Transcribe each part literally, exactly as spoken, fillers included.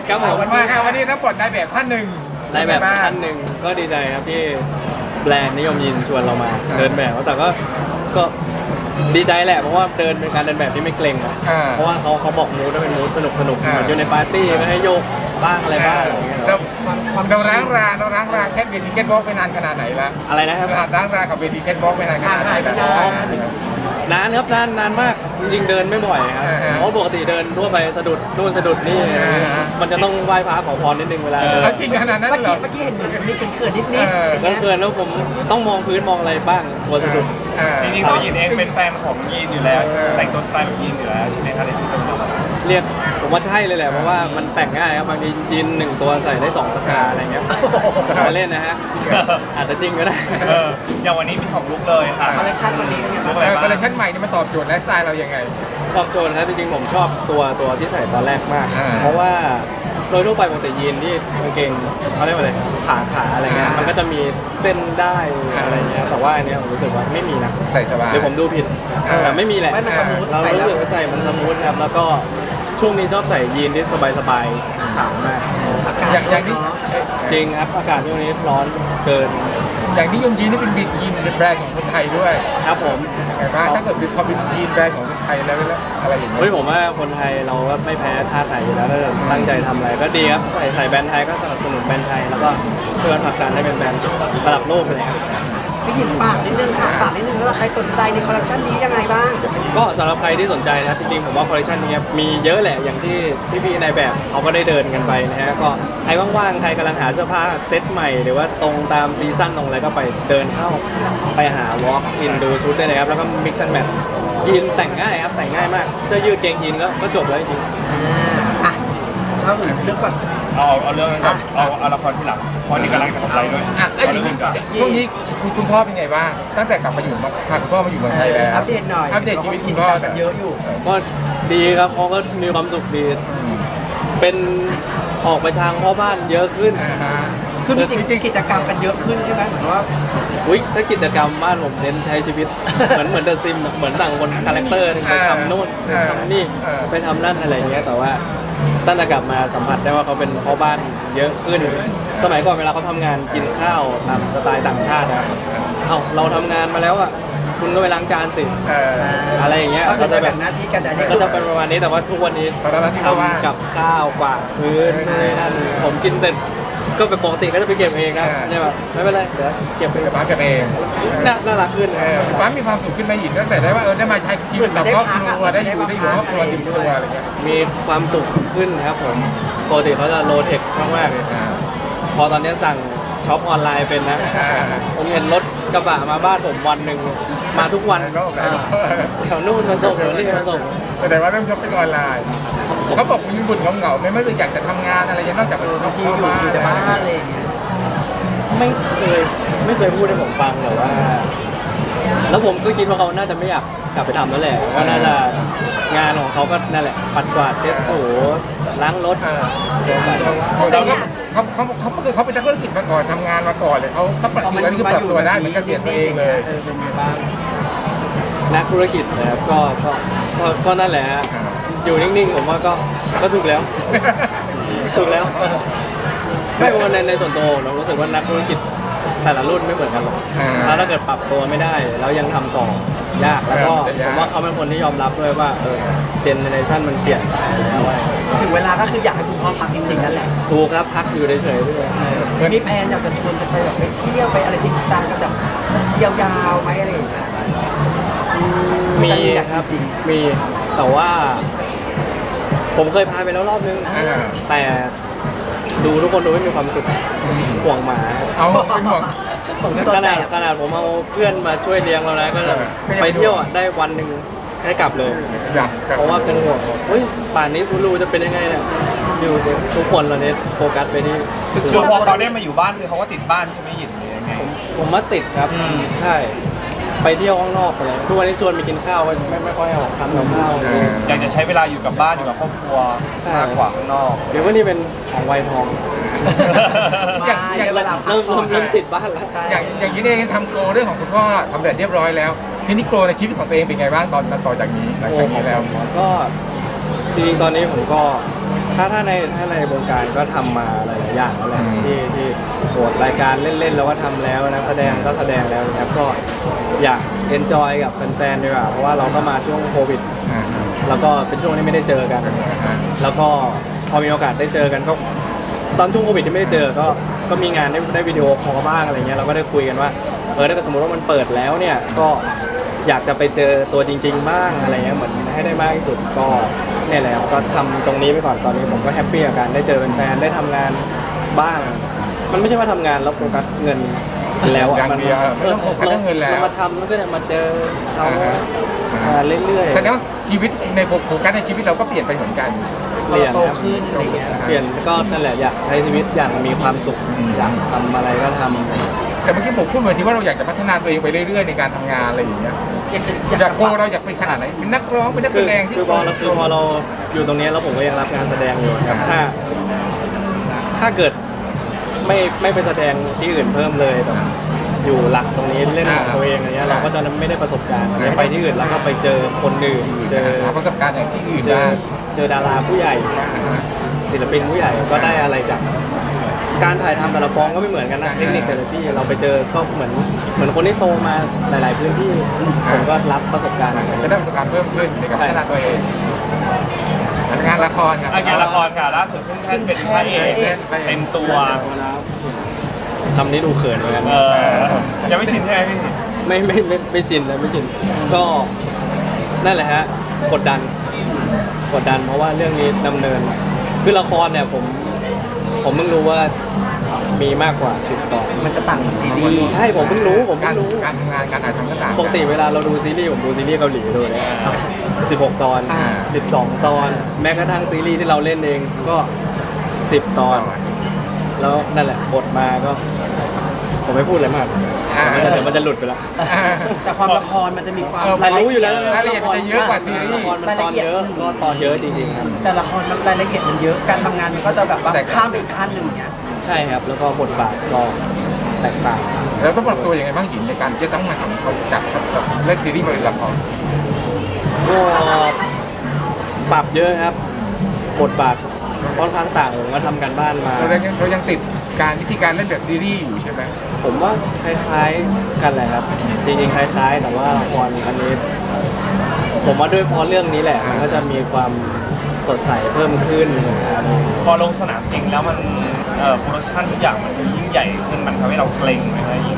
ครับผมมาครับวันนี้รับบทนายแบบท่านหนึ่งนายแบบท่านหนึ่งก็ดีใจครับที่แบรนด์นิยมยินชวนเรามาเดินแบบแต่ก็ก็ดีใจแหละเพราะว่าเดินเป็นการเดินแบบที่ไม่เกรงอะเพราะว่าเขาเขาบอกมูดว่าเป็นมูดสนุกสนุกเหมือนอยู่ในปาร์ตี้ก็ให้โยกบ้างอะไรบ้างอะไรอย่างเงี้ยเราเราร้างราเราร้างราแค่เวทีแคทวอล์กไปนานขนาดไหนละอะไรนะครับร้างรากับเวทีแคทวอล์กไปนานขนาดไหนแล้วนานครับนานนานมากจริงๆเดินไม่บ่อยครับเพราะปกติเดินทั่วไปสะดุดนู่นสะดุดนี่มันจะต้องไหว้พระขอพรนิดนึงเวลาเดินจริงขนาดนั้นเมื่อเหรกี้อเมื่อกี้เห็นเหมือนมีเขินๆนิดๆอย่างก็เงี้ยเกินแล้วผมต้องมองพื้นมองอะไรบ้างกลัวสะดุดจริงๆตัวยีนเองเป็นแฟนของยีนอยู่แล้วแต่งตัวสไตล์แบบยีนอยู่แล้วใช่ไหมครับในชุดนี้เรียกผมว่าใช่เลยแหละเพราะว่ามันแต่งง่ายครับบางทียีนหนึ่งตัวใส่ได้สองสตาร์อะไรเงี้ยมาเล่นนะฮะอาจจะจริงก็ได้เอออย่างวันนี้มีสองลุคเลยค่ะคอลเลคชันวันนี้เป็นไงลุบ้างคอะไรคอลเลบ้างคชั่นใหม่นี่มันตอบโจทย์ไลฟ์สไตล์เรายังไงตอบโจทย์ครับจริงๆผมชอบตัวตัวที่ใส่ตอนแรกมากอ่าเพราะว่าโดยทั่วไปปกติยีนที่กางเกงเขาเรียกว่าอะไรขาขาอะไรเงี้ยอ่ามัมันก็จะมีเส้นได้อะไรเงี้ยแต่ว่าอันเนี้ยผมรู้สึกว่าไม่มีนะใส่สบายหรือผมดูผิดอ่าแต่ไม่มีแหละไม่มันสมูทเราใส่รู้แล้วสึกว่าใส่มันสมูทครับแล้วก็ช่วงนี้ชอบใส่ยีนที่สบายๆขาวมากอากาศอย่างอย่างนี้จริงครับอากาศช่วงนี้ร้อนเกินอย่างนี้ยมยีนนี่เป็นยีนแบรนด์ของคนไทยด้วยครับผมไงบ้างถ้าเกิดเป็นพอเป็นยีนแบรนด์ของคนไทยแล้วแล้วอะไรอย่างเงี้เฮ้ยยผมว่าคนไทยเราก็ไม่แพ้ชาติไหนอยู่แล้วถ้าเกิดตั้งใจทำอะไรก็ดีครับใส่ใส่แบรนด์ไทยก็สนับสนุนแบรนด์ไทยแล้วก็ช่วยกันผลักดันให้เป็นแบรนด์ระดับโลกไปเลยครับพี่หยินฝากนิดนึงค่ะฝากนิดนึงถ้าใครสนใจในคอลเลคชันนี้ยังไงบ้างก็สำหรับใครที่สนใจนะครับจริงๆผมว่าคอลเลคชันนี้มีเยอะแหละอย่างที่พี่ๆในแบบเขาก็ได้เดินกันไปนะฮะก็ใครว่างๆใครกำลังหาเสื้อผ้าเซ็ตใหม่หรือว่าตรงตามซีซั่นตรงอะไรก็ไปเดินเข้าไปหาวอล์กอินดูชุดได้เลยครับแล้วก็มิกซ์แอนด์แมทยีนแต่งง่ายครับแต่งง่ายมากเสื้อยืดเกงยีนก็ก็จบแล้วจริงอ่าอ่ะเข้าถึงเรื่องก่อนเอาเอาเรื่องนั้นก่อนเอาเอาละครที่หลังเพราะนี่กำลังจะทำอะไรด้วยอ่ะไอ้เอาอย่างเรื่นี้องก่อนช่วงนี้คุณคุณพ่อเป็นไงบ้างตั้งแต่กลับมาอยู่มาพาคุณพ่อมาอยู่เมืองไทยแล้วอัปเดตหน่อยอัปเดตชีวิตกิคุณจพ่อกรรมกันเยอะอยู่ก็ดีครับเขาก็มีความสุขดี เป็นออกไปทางพ่อบ้านเยอะขึ้นอ่าฮะคือจริงๆกิจกรรมกันเยอะขึ้นใช่ไหมเหมือนว่าอุ้ยถ้ากิจกรรมบ้านผมเน้นใช้ชีวิต เหมือนเหมือนเดอะซิมเหมือนต่างคนคาแรคเตอร์หนึงไปทำนู่นไปทำนี่ไปทำนั่นอะไรอย่างเงี้ยแต่ว่าตั้งแต่กลับมาสัมผัสได้ว่าเขาเป็นพ่อบ้านเยอะขึ้น สมัยก่อนเวลาเขาทำงานกินข้าวตามสไตล์ต่างชาตินะเอ้าเราทำงานมาแล้วอ่ะคุณก็ไปล้างจานสิเอออะไรอย่างเงี้ยก็คืก็อจะจะแบแบ่บงหน้าที่กันแต่อันนี่ก็จะเป็นประมาณนี้แต่ว่าทุกวันนี้ตอนนั้นที่เขาว่าทำกับข้าวกวาดพื้นอะไรนั่นผมกินเสร็จก็เป็นปกติก็จะไปเก็บเองนะอ่าเนี่ยแบบไม่เป็นไรเดี๋ยวเก็บไปเดี๋ยวป้าเก็บเองน่าน่ารักขึ้นเออป้ามีความสุขขึ้นไหมาหยินตั้งแต่ได้ว่าเออได้มาใช้ชีวิตกับครอบครัวได้อยู่ได้อยู่กับครอบครัวเต็มตัวอะไรเงี้ยมีความสุขขึ้นครับผมปกติเขาจะโลเทคมากๆเลยอ่าพอตอนนี้สั่งช็อปออนไลน์เป็นนะอ่าผมเห็นรถกระบะมาบ้านผมวันหนึ่งมาทุกวันหลายรอบหลายรอบแถวนู่นมาส่งแถวนี่มาส่งแต่ว่าเริ่มช้อปปิ้งออนไลน์เขาบอกมีบุญเหงาๆไหมไม่รู้อยากจะทำงานอะไรอย่างนอกจากไปบางทีอยู่อยู่แต่บ้านอะไรอย่างเงี้ยไม่เคยไม่เคยพูดให้ผมฟังแต่ว่า แล้วผมก็คิดว่าเขาน่าจะไม่อยากกลับไปทำแล้วแหละว่าน่าจะงานของเขาก็นั่นแหละปัดกวาดเช็ดถูล้างรถเออเขาเขาเขาเขาเขาเขาเป็นนักธุรกิจมาก่อนทำงานมาก่อนเลยเขาเขาปรับตัวนี่คือปรับตัวได้เหมือนเกษียณตัวเองเลยเออเป็นไงบ้างนักธุรกิจนะครับก็ก็ก็ก็นั่นแหละฮะอยู่นิ่งๆผมว่าก็ก็ถูกแล้ว ถูกแล้วไม่เพราะว่าในในส่วนตัวเรารู้สึกว่านักธุรกิจแต่ละรุ่นไม่เหมือนกันหรอกอ่าแล้วถ้าเกิดปรับตัวไม่ได้แล้วยังทำต่อยากแล้วก็จะยากผมว่าเขาเป็นคนที่ยอมรับด้วยว่าเออเจเนเรชันมันเปลี่ยนแล้วอะถึงเวลาก็คืออยากให้คุณพ่อพักจริงๆนั่นแหละถูกครับพักอยู่เฉยๆด้วยมีแพลนอยากจะชวนกันไปแบบไปเที่ยวไปอะไรจริงจังกันแบบยาวๆไหมอะไรอย่างเงี้ยมีอยากครับจริงมีแต่ว่า ผมเคยพาไปแล้วรอบนึงอ่าแต่ดูทุกคนดูไม่มีความสุขห่วงหมาเอาเป็นห่วงผมก็ตัวขแสนาดบขนาดผมเอาเพื่อนมาช่วยเลี้ยงเราแล้วก็จะก็ยังไปเที่ยวอ่ะได้วันหนึ่งให้กลับเลยอยากเพราะว่าเป็นห่วงบอกเฮ้ยป่านนี้ซูรูจะเป็นยังไงเนี่ยอยู่ทุกคนเราเนี้โฟกัสไปที่คือซูคือรูพอเขาได้มาอยู่บ้านคือเขาก็ติดบ้านใช่ไหมหยินหรือยังไงผมมาติดครับอืมใช่ ไปเที่ยวข้างนอกอะไรทุกวันนี้ชวนไปกินข้าวไม่ไม่ไม่ค่อยออกทำกับข้าวเอออยากจะใช้เวลาอยู่กับบ้านอยู่กับครอบครัวใช่มากกว่าข้างนอกเดี๋ยวว่านี่เป็นของวัยทองมาเยอะเวลาพักเริ่มผ่เริ่อมนเริ่มติดบ้านแล้วใช่อย่างอย่างนี้เองทำโกลเรื่องของคุณพ่อทำเสร็จเรียบร้อยแล้วทีนี้โกลในชีวิตของตัวเองเป็นไงบ้างตอนต่อจากนี้หลังจากนี้แล้วก็จริงๆตอนนี้ผมก็ถ้าถ้าในถ้าในวงการก็ทำมาหลายๆอย่างแล้วแหละที่ที่โหดรายการเล่นๆแล้วก็ทำแล้วนักแสดงก็แสดงแล้วนะครับก็อยากเอนจอยกับแฟนๆดีกว่าเพราะว่าเราก็มาช่วงโควิดอ่าแล้วก็เป็นช่วงที่ไม่ได้เจอกัน แล้วก็พอมีโอกาสได้เจอกันก็ตอนช่วงโควิดที่ไม่ได้เจอก็ก็มีงานได้ได้วิดีโอคอลบ้างอะไรเงี้ยเราก็ได้คุยกันว่าเออถ้าเกิดสมมติว่ามันเปิดแล้วเนี่ยก็อยากจะไปเจอตัวจริง ๆ บ้างอะไรเงี้ยเหมือนให้ได้มากที่สุดก็เนี่ยแหละครับก็ทำตรงนี้ไปก่อนตอนนี้ผมก็แฮปปี้กับการได้เจอแฟนๆได้ทำงานบ้าง มันไม่ใช่ว่าทำงานแล้วโฟกัสเงินแล้วอ่ะอย่างเดียวไม่ต้องโฟกัสเรื่องเงินแล้วเรามาทำแล้วก็เนี่ยมาเจอเขามาเรื่อยๆแสดงว่าชีวิตในโฟกัสในชีวิตเราก็เปลี่ยนไปเหมือนกันเปลี่ยนโตครับขึ้นอะไรเงี้ยเปลี่ยนก็นั่นแหละอยากใช้ชีวิตอย่างมีความสุขอืมอยากทำอะไรก็ทำแต่เมื่อกี้ผมพูดเหมือนที่ว่าเราอยากจะพัฒนาตัวเองไปเรื่อยๆในการทำงานอะไรอย่างเงี้ยอยากจะอยากโกเราอยากไปขนาดไหนเป็นนักร้องเป็นนักคืแสอดงที่คือพอเราคือพอเราอยู่ตรงนี้แล้วผมก็ยังรับงานแสดงอยู่ครับถ้า ถ้าเกิดไม่ไม่ไปแสดงที่อื่นเพิ่มเลยแบบอยู่หลักตรงนี้เล่นของตัวเองอะไรเงี้ยเราก็จะไม่ได้ประสบการณ์ไปที่อื่นแล้วก็ไปเจอคนอื่นเจอหาประสบการณ์อย่างที่อื่นเจอได้เจอดาราผู้ใหญ่ ศิลปินผู้ใหญ่ก็ได้อะไรจากการถ่ายทำแต่ละกองก็ไม่เหมือนกันนะเทคนิคแต่ละที่เราไปเจอก็เหมือนเหมือนคนที่โตมาหลาย ๆ พื้นที่ผมก็รับประสบการณ์จะได้ประสบการณ์เพิ่มขึ้นในการพัฒนาตัวเองงานละครครับอ่ะงานละครค่ะล่าสุดเพิ่งแท่นเป็นพระเอกเป็นตัวคำนี้ดูเขินเหมือนกันเออยังไม่ชินใช่ไหมพี่ไม่ไม่ไม่ไม่ชินเลยไม่ชินก็นั่นแหละฮะกดดันกดดันเพราะว่าเรื่องนี้ดำเนินคือละครเนี่ยผมผมเพิ่งรู้ว่ามีมากกว่าสิบตอนมันจะต่างกับซีรีส์ใช่ผมเพิ่งรู้ผมกาเพิ่รงรู้การทำงานการถ่ายทำก็ต่างปกติเวลาเราดูซีรีส์ผมดูซีรีส์เกาหลีดูเลยสิบหกตอนสิบสองตอน แม้กระทั่งซีรีส์ที่เราเล่นเองก็สิบตอน แล้วนั่นแหละบทมาก็ ผมไม่พูดอะไรมากเดี๋ยวมันจะหลุดไปละแต่ความละครมันจะมีความเรารู้อยู่แล้วรายละเอียดมันจะเยอะกว่าซีรีละส์ครมันตอนเยอะก็ตอนเยอะจริงๆครับแต่ละครมันรายละเอียดมันเยอะการทำงานมันก็จะแบบว่าข้ามไปอีกขั้นหนึ่งเนี่ยใช่ครับแล้วก็บทบาทก็แตกต่างแล้วต้องปรับตัวยังไงบ้างหญิงในการที่จะต้องมาทำจากเล่นซีรีส์มาเป็นละครก็ปรับเยอะครับบทบาทค่อนข้างต่างผมก็ทำกันบ้านมาเรายังเรายังติดการวิธีการเล่นแบบซีรีส์อยู่ใช่ไหมผมว่าคล้ายๆกันแหละครับ จริงๆคล้ายๆ แต่ว่าละครอันนี้ ผมว่าด้วยเพราะเรื่องนี้แหละ มันก็จะมีความสดใสเพิ่มขึ้นนะครับพอลงสนามจริงแล้วมันเอ่อโปรดักชั่นทุกอย่างมันยิ่งใหญ่ขึ้นมันทำให้เราเกรงไหมครับยิ่ง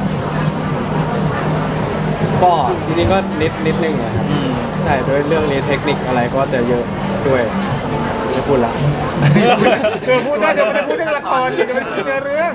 ก็จริงๆก็นิดนิดนึงนะครับใช่ด้วยเรื่องนี้เทคนิคอะไรก็จะเยอะด้วยไม่พูดละเธอพูดได้จะไม่ได้พูดเรื่องละครจะไม่ได้พูดเนื้อเรื่อง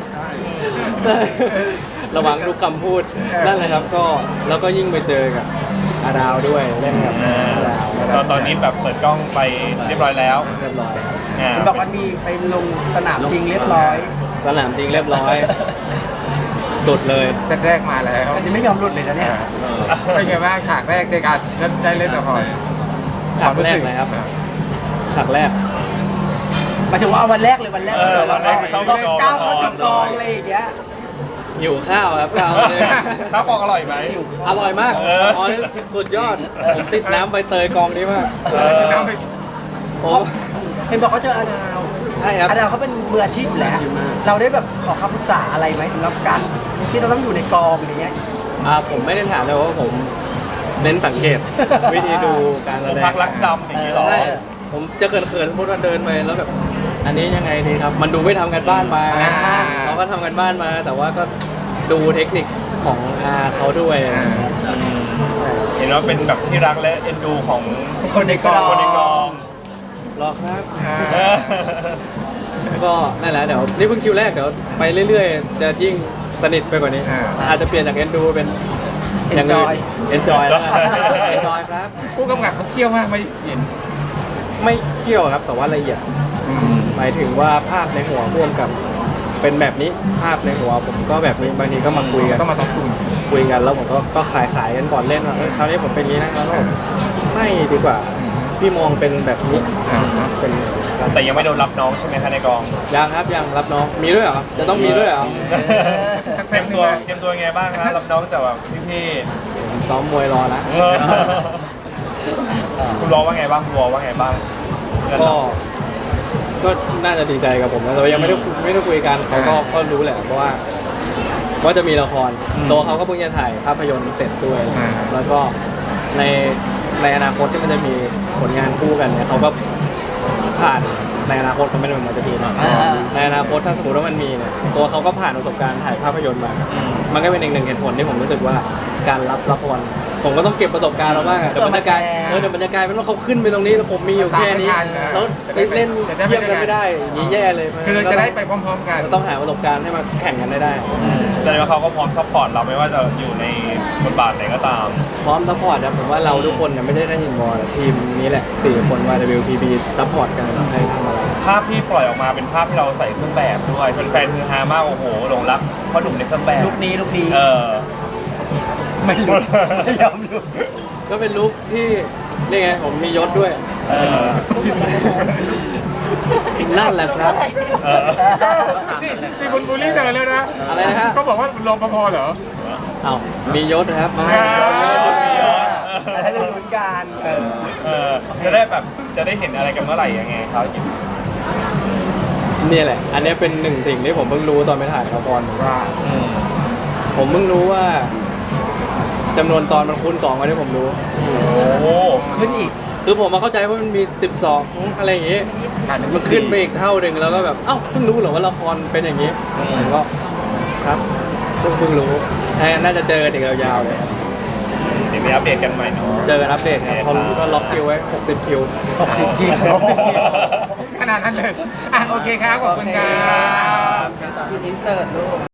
ระวังทุกคำพูดนั่นแหละครับก็แล้วก็ยิ่งไปเจอกับอาดาวด้วยเล่นกับอาดาวตอนตอนนี้แบบเปิดกล้องไปเรียบร้อยแล้วเรียบร้อยครับอ่ามันบอกว่ามีไปลงสนามจริงเรียบร้อยสนามจริงเรียบร้อย สุดเลยเซตแรกมาแล้วอันนี้ไม่ยอมหลุดเลยนะเนี่ยเป็นไงบ้างฉากแรกในการได้เล่นละครฉากแรกเลยครับฉากแรกหมายถึงว่าเอาวันแรกเลยวันแรกเออเลยวันแรกเข้าเรากองก้าวเข้าถึงกองเลยอย่างเงี้ยหิวข้าวครับข้าวเลยข้าวกล่องอร่อยไหมอร่อยมากเอออ๋อสุดยอดผมติดน้ำใบเตยกองนี้มากเออน้ำไปโอ้เห็นบอกเขาเจออาดาวใช่ครับอาดาวเขาเป็นมืออาชีพอยู่แล้ว เราได้แบบขอคำปรึกษาอะไรไหมสำหรับการที่เราต้องอยู่ในกองอย่างเงี้ยอ่าผมไม่ได้ถามเลยว่าผมเน้นสังเกต วิธีดูการแสดงพักรักจำอย่างนี้เหรอใช่ผมจะเขินๆสมมติว่าเดินไปแล้วแบบอันนี้ยังไงดีครับ มันดูไม่ทำกันบ้านมาอ่าเขาก็ทำกันบ้านมา แต่ว่าก็ดูเทคนิคของอาเขาด้วยอ่าเห็นว่าเป็นแบบที่รักและเอ็นดูของคนในกองคนในกองรอครับอ่าเออก็นั่นแหละเดี๋ยวนี่เพิ่งคิวแรกเดี๋ยวไปเรื่อยๆ จะยิ่งสนิทไปกว่านี้อ่าอาจจะเปลี่ยนจากเอ็นดูเป็นอย่างอื่น Enjoy เอนจอยแล้วเอนจอยครับผู้กำกับเขาเคี่ยวมากไหม่หญิงไม่เคี่ยวครับแต่ว่าละเอียดอืมหมายถึงว่าภาพในหัวร่วมกับเป็นแบบนี้ภาพในหัวผมก็แบบนี้บางทีก็มาคุยกันต้องมาต้องคุยคุยกันแล้วผมก็ก็ขายขายกันก่อนเล่นว่าเอ้ยคราวนี้ผมเป็นอย่างนี้นะแล้วก็ไม่ดีกว่า พี่มองเป็นแบบนี้อ่าเป็นแต่ยังไม่โดนรับน้องใช่ไหมคะในกองยังครับยังรับน้องมีด้วยเหรอจะต้องมีด้วยเหรอสักเตรีแป๊ยบมนึงตัวนะเตรียมตัวไงบ้างคะรับน้องจากแบบพี่ผมซ้อมมวยรอนะๆเออคุณรอว่าไงบ้างคุณรอว่าไงบ้างเพื่อนก็เราก็น่าจะดีใจกับผมนะแต่ว่ายังไม่ได้ไม่ได้คุยกันเขาก็ก็รู้แหละเพราะว่าว่าจะมีละครตัวเขาก็เพิ่งจะถ่ายภาพยนตร์เสร็จด้วย แล้วก็ในในอนาคตที่มันจะมีผลงานคู่กันเนี่ยเขาก็ผ่านในอนาคตเขาไม่ได้มันจะมีนะในอนาคตถ้าสมมติว่ามันมีเนี่ยตัวเขาก็ผ่านประสบการณ์ถ่ายภาพยนตร์มา มันก็เป็นอีกหนึ่งเหตุผลที่ผมรู้สึกว่าการรับละครผมก็ต้องเก็บประสบการณ์เราบ้างอะเดี๋ยวมันจะกลายเออเดี๋ยวมันจะกลายเป็นว่าเขาขึ้นไปตรงนี้แล้วผมมีอยู่แค่นี้แล้วเล่นเทียบกันไม่ได้อย่างนี้แย่เลยคือเราจะได้ไปพร้อมๆกันต้องหาประสบการณ์ให้มาแข่งกันได้ได้แสดงว่าเขาก็พร้อมซัพพอร์ตเราไม่ว่าจะอยู่ในบทบาทไหนก็ตามพร้อมซัพพอร์ตนะผมว่าเราทุกคนเนี่ยไม่ได้ได้ยินบอลทีมนี้แหละสี่คน วาย ดับเบิลยู พี บี ซัพพอร์ตกันให้ทำอะไรภาพที่ปล่อยออกมาเป็นภาพที่เราใส่เครื่องแบบด้วยแฟนๆคือฮามากโอ้โหหลงรักพ่อหนุ่มในเครื่องแบบลุคนี้ลุคนี้เออไม่รู้ไม่ยอมรู้ก็เป็นลุคที่นี่ไงผมมียศด้วยเออนั่นแหละครับเออนี่มีคนบูลลี่เธอแล้วนะอะไรนะฮะเขาบอกว่ารปภเหรอเอ้ามียศนะครับไม่อ่าอะไรได้ลุ้นกันเออเออจะได้แบบจะได้เห็นอะไรกันเมื่อไหร่ยังไงครับนี่แหละ อันนี้เป็นหนึ่งสิ่งที่ผมเพิ่งรู้ตอนไปถ่ายละครว่าอืมผมเพิ่งรู้ว่าจำนวนตอนมันคูณสองกว่าที่ผมรู้โอ้ขึ้นอีกคือผมมาเข้าใจว่ามันมีสิบสองอะไรอย่างงี้ มันขึ้นไปอีกเท่าหนึ่งแล้วก็แบบ เอ้าเพิ่งรู้เหรอว่าละครเป็นอย่างนี้ผมก็ครับเพิ่งเพิ่งรู้น่าจะเจอกันอีกยาวๆเลยครับเดี๋ยวมีอัปเดตกันใหม่เนาะเจอกันอัปเดตครับเขารู้ก็ล็อกคิวไว้หกสิบคิวหกสิบกิโลขนาดนั้นเลย อ่ะโอเคครับ ขอบคุณครับกินอินเสิร์ตลูก